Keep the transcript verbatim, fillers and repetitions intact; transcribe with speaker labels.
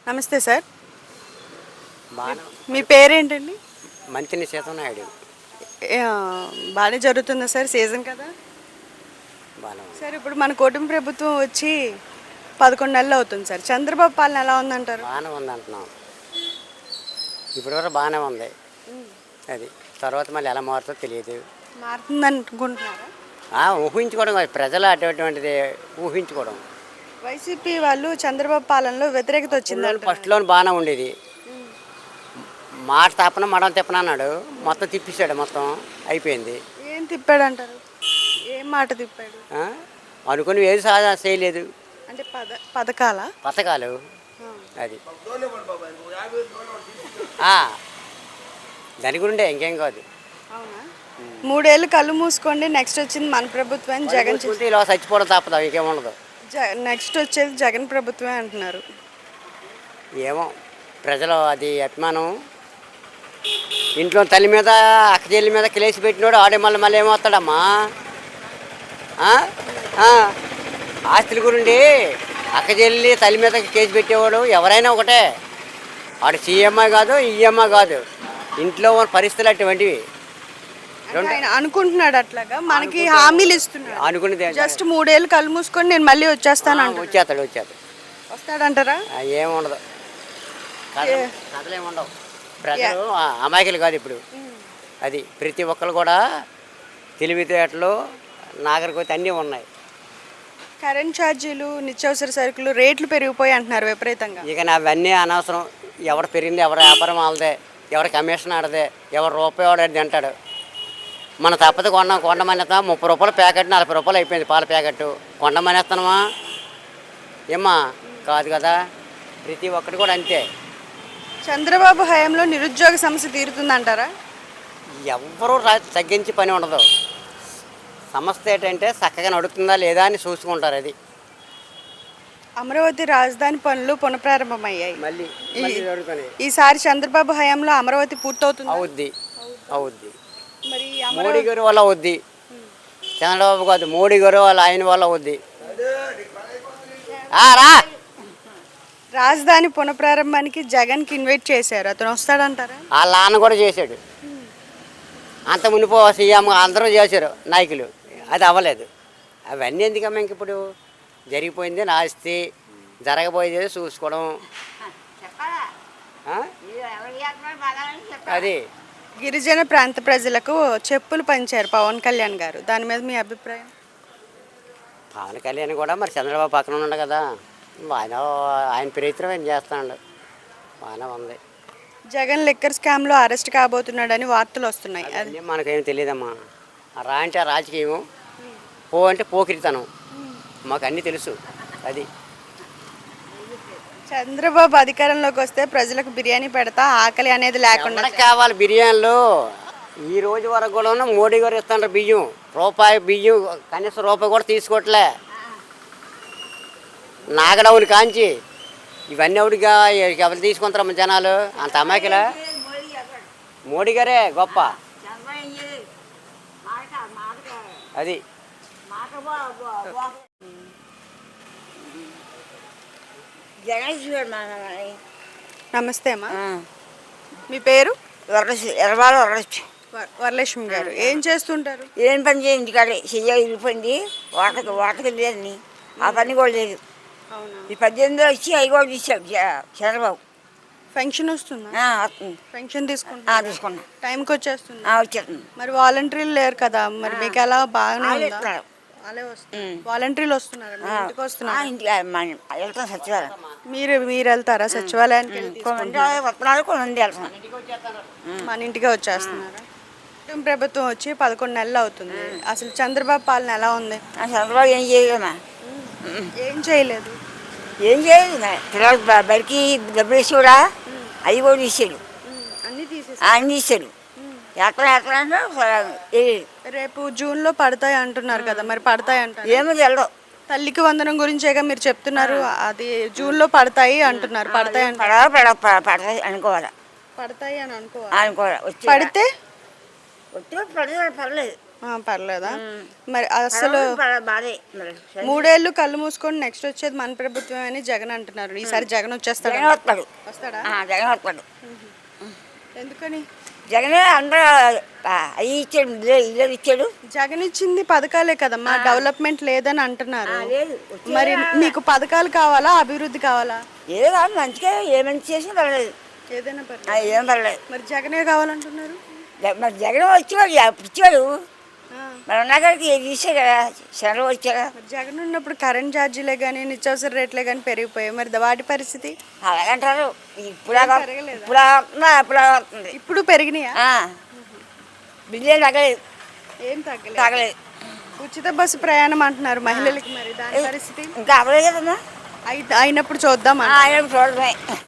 Speaker 1: నమస్తే సార్.
Speaker 2: బాగా
Speaker 1: మీ పేరేంటండి?
Speaker 2: మంచిని సీతనాయుడు.
Speaker 1: బాగానే జరుగుతుందా సార్ సీజన్ కదా?
Speaker 2: బాగా
Speaker 1: సార్ ఇప్పుడు మన కూటమి ప్రభుత్వం వచ్చి పదకొండు నెలలు అవుతుంది సార్. చంద్రబాబు పాలన ఎలా ఉందంటారు?
Speaker 2: బాగానే ఉంది అంటున్నాం. ఇప్పటివరకు బాగానే ఉంది. అది తర్వాత మళ్ళీ ఎలా మారుతుందో తెలియదు.
Speaker 1: మారుతుంది అనుకుంటున్నారా?
Speaker 2: ఊహించుకోవడం కాదు, ప్రజలు అటువంటిది ఊహించుకోవడం.
Speaker 1: వైసీపీ వాళ్ళు చంద్రబాబు పాలనలో వ్యతిరేకత వచ్చింది.
Speaker 2: ఫస్ట్లో బాగానే ఉండేది. మాట తప్పన మడం తిప్పన అన్నాడు, మొత్తం తిప్పిస్తాడు, మొత్తం అయిపోయింది.
Speaker 1: ఏం తిప్పాడు అంటారు? ఏం మాట తిప్పాడు?
Speaker 2: అనుకుని ఏది సాధ చేయలేదు.
Speaker 1: అంటే పద పథకాల
Speaker 2: పథకాలు అది దాని గురిండే, ఇంకేం కాదు.
Speaker 1: అవునా? మూడేళ్ళు కళ్ళు మూసుకోండి, నెక్స్ట్ వచ్చింది మన ప్రభుత్వం జగన్.
Speaker 2: ఇలా చచ్చిపోవడం తప్పదు, ఇంకేం ఉండదు.
Speaker 1: నెక్స్ట్ వచ్చేది జగన్ ప్రభుత్వమే అంటున్నారు.
Speaker 2: ఏమో ప్రజలు అది అభిమానం. ఇంట్లో తల్లి మీద అక్క చెల్లి మీద కిలేసి పెట్టినోడు ఆడే మళ్ళీ మళ్ళీ ఏమవుతాడమ్మా? ఆస్తుల గురించి అక్క చెల్లి తల్లి మీద కేసు పెట్టేవాడు ఎవరైనా ఒకటే. వాడు సీఎంఐ కాదు, ఈఎంఐ కాదు, ఇంట్లో ఉన్న పరిస్థితులు అటువంటివి.
Speaker 1: అనుకుంటున్నాడు అట్లాగా, మనకి హామీలు ఇస్తున్నాడు.
Speaker 2: అనుకునేది
Speaker 1: జస్ట్ మూడేళ్ళు కళ్ళు మూసుకొని నేను మళ్ళీ వచ్చేస్తాను.
Speaker 2: వచ్చేస్తాడు వచ్చేస్తాడు
Speaker 1: వస్తాడంటారా?
Speaker 2: ఏముండదు, కథలేమి ఉండవు. ప్రజలు అమాయకులు కాదు ఇప్పుడు. అది ప్రతి ఒక్కరు కూడా తెలివితేటలు నాగరికత అన్నీ ఉన్నాయి.
Speaker 1: కరెంట్ ఛార్జీలు, నిత్యావసర సరుకులు రేట్లు పెరిగిపోయి అంటున్నారు విపరీతంగా.
Speaker 2: ఇక అవన్నీ అనవసరం. ఎవరు పెరిగింది, ఎవరు వ్యాపారం వాళ్ళదే, ఎవరి కమిషన్ ఆడదే, ఎవరు రూపాయి వాడేది తింటాడు. మన తప్పదు కొండ కొండమనేస్తా ముప్పై రూపాయల ప్యాకెట్ నలభై రూపాయలు అయిపోయింది పాల ప్యాకెట్. కొండమనేస్తానమా ఏమ్మా? కాదు కదా. ప్రతి ఒక్కటి కూడా అంతే.
Speaker 1: చంద్రబాబు హయాంలో నిరుద్యోగ సమస్య తీరుతుందంటారా?
Speaker 2: ఎవరూ తగ్గించి పని ఉండదు. సమస్య ఏంటంటే చక్కగా నడుస్తుందా లేదా అని చూసుకుంటారు. అది
Speaker 1: అమరావతి రాజధాని పనులు పునఃప్రారంభమయ్యాయి.
Speaker 2: మళ్ళీ
Speaker 1: ఈసారి చంద్రబాబు హయాంలో అమరావతి పూర్తవుతుంది.
Speaker 2: అవుద్ది అవుద్ది
Speaker 1: మరి
Speaker 2: మోడీ గారి వల్ల అవుద్ది. చంద్రబాబు కాదు, మోడీ గారు వాళ్ళ ఆయన వల్ల అవుద్ది. రా
Speaker 1: రాజధాని పునఃప్రారంభానికి జగన్కి ఇన్వైట్ చేశారు, అతను వస్తాడంటారా?
Speaker 2: వాళ్ళ నాన్న కూడా చేశాడు. అంత మునిపో సీఎం అందరూ చేశారు నాయకులు, అది అవ్వలేదు. అవన్నీ ఎందుకమ్మా? ఇంక ఇప్పుడు జరిగిపోయింది నాస్తి, జరగబోయేది చూసుకోవడం. అది
Speaker 1: గిరిజన ప్రాంత ప్రజలకు చెప్పులు పంచారు పవన్ కళ్యాణ్ గారు, దాని మీద మీ అభిప్రాయం?
Speaker 2: పవన్ కళ్యాణ్ కూడా మరి చంద్రబాబు పక్కన ఉన్నాడు కదా, ఆయన ఆయన ప్రయత్నం ఆయన చేస్తున్నాడు, బాగానే ఉంది.
Speaker 1: జగన్ లిక్కర్ స్కామ్లో అరెస్ట్ కాబోతున్నాడని వార్తలు వస్తున్నాయి.
Speaker 2: అది మనకేం తెలియదమ్మా. రా అంటే రాజకీయం, పో అంటే పోకిరితనం, మాకు అన్నీ తెలుసు. అది
Speaker 1: చంద్రబాబు అధికారంలోకి వస్తే ప్రజలకు బిర్యానీ పెడతా, ఆకలి అనేది లేకుండా
Speaker 2: కావాలి. బిర్యానీలు ఈ రోజు వరకు కూడా మోడీ గారు ఇస్తున్నారు బియ్యం, రూపాయి బియ్యం కనీసం రూపాయి కూడా తీసుకోవట్లే. నాగడవుని కాంచి ఇవన్నీ ఎవడిగా ఎవరు తీసుకుంటారమ్మ జనాలు? అంత అమాయకులా? మోడీ గారే గొప్ప. అది
Speaker 1: నమస్తే అమ్మా, మీ పేరు?
Speaker 3: ఎర్రబాల వరలక్ష్మి.
Speaker 1: వరలక్ష్మి గారు ఏం చేస్తుంటారు?
Speaker 3: ఏం పని చేయండి కాడే చెయ్య వెళ్ళిపోయింది, వాటకి వాటకి లేదని ఆ పని కూడా లేదు. ఈ పద్దెనిమిదిలో వచ్చి అవి కూడా తీసాడు చంద్రబాబు.
Speaker 1: పెన్షన్ వస్తుందా?
Speaker 3: వస్తుంది.
Speaker 1: పెన్షన్ తీసుకుంటా
Speaker 3: తీసుకున్నా
Speaker 1: టైంకి వచ్చేస్తుంది.
Speaker 3: వచ్చేస్తుంది.
Speaker 1: మరి వాలంటీర్లు లేరు కదా, మరి మీకు ఎలా? బాగానే
Speaker 3: ఇస్తున్నారు.
Speaker 1: వాలంటీర్లు వస్తున్నారు, ఇంటికి వస్తున్నారు.
Speaker 3: వెళ్తాం సచివాలయం.
Speaker 1: మీరు మీరు వెళ్తారా సచివాలయానికి?
Speaker 3: వస్తున్నారు కొంతమంది వెళ్తాం.
Speaker 1: మన ఇంటికే వచ్చేస్తున్నారా? ప్రభుత్వం వచ్చి పదకొండు నెలలు అవుతుంది, అసలు చంద్రబాబు పాలన ఎలా ఉంది?
Speaker 3: చంద్రబాబు ఏం చేయలేమా?
Speaker 1: ఏం చేయలేదు.
Speaker 3: ఏం చేయలేదు. పిల్లలు బడికి డబ్బులు వేసి కూడా అవి కూడా తీసాడు,
Speaker 1: అన్ని తీసేసి
Speaker 3: అన్ని తీసాడు. ఎక్కడ ఎక్కడ అంటే
Speaker 1: రేపు జూన్ లో పడతాయి అంటున్నారు కదా, మరి పడతాయి అంటారు?
Speaker 3: ఏమో తెలదు.
Speaker 1: తల్లికి వందనం గురించేగా మీరు చెప్తున్నారు, అది జూన్ లో పడతాయి అంటున్నారు. పడతాయి
Speaker 3: పడతాయి అనుకోవాలా?
Speaker 1: పడతాయి అని అనుకోవాలి.
Speaker 3: అనుకోవాలి.
Speaker 1: పడితే
Speaker 3: వచ్చి పడతాయి పర్లేదు.
Speaker 1: ఆ, పర్లేదా మరి అసలు
Speaker 3: బాధే మరి
Speaker 1: మూడేళ్ళు కళ్ళు మూసుకొని నెక్స్ట్ వచ్చేది మన ప్రభుత్వం అని జగన్ అంటున్నారు. ఈసారి జగన్ వచ్చేస్తాడు
Speaker 3: జగన్ వస్తాడు
Speaker 1: వస్తాడా
Speaker 3: ఆ, జగన్ వస్తాడు
Speaker 1: ఎందుకని?
Speaker 3: జగనే అందరూ అవి ఇచ్చాడు ఇల్లు ఇల్లు ఇచ్చాడు
Speaker 1: జగన్ ఇచ్చింది పథకాలే కదమ్మా, డెవలప్మెంట్ లేదని అంటున్నారు.
Speaker 3: లేదు
Speaker 1: మరి మీకు పథకాలు కావాలా, అభివృద్ధి కావాలా?
Speaker 3: ఏదో కాదు మంచిగా ఏ మంచి చేసినా పర్లేదు
Speaker 1: ఏదైనా పర్లేదు.
Speaker 3: ఆ, ఏం పర్లేదు
Speaker 1: మరి జగనే కావాలంటున్నారు.
Speaker 3: జ- మరి జగన్ వచ్చేవాడు అప్పుడు ఇచ్చేవాడు
Speaker 1: ఆ,
Speaker 3: మరి ఉన్నాకాడికి ఏది తీసాడు కదా చంద్రబాబు వచ్చాక
Speaker 1: మరి జగన్ ఉన్నప్పుడు కరెంట్ ఛార్జీలే కానీ నిత్యావసర రేట్లే కానీ పెరిగిపోయాయి. మరి వాటి పరిస్థితి
Speaker 3: అలాగంటారు ఇప్పుడు
Speaker 1: పెరగలేదా?
Speaker 3: ఇప్పుడు వస్తుందా అప్పుడు వస్తుంది
Speaker 1: ఇప్పుడు పెరిగినాయా?
Speaker 3: బిల్లు తగ్గలేదు
Speaker 1: ఏం తగ్గలేదు.
Speaker 3: తగ్గలేదు
Speaker 1: ఉచిత బస్సు ప్రయాణం అంటున్నారు మహిళలకి, మరి దాని పరిస్థితి
Speaker 3: ఇంకా అవ్వలేదు కదమ్మా
Speaker 1: అయి- అయినప్పుడు చూద్దాం.
Speaker 3: ఆయన చూడమే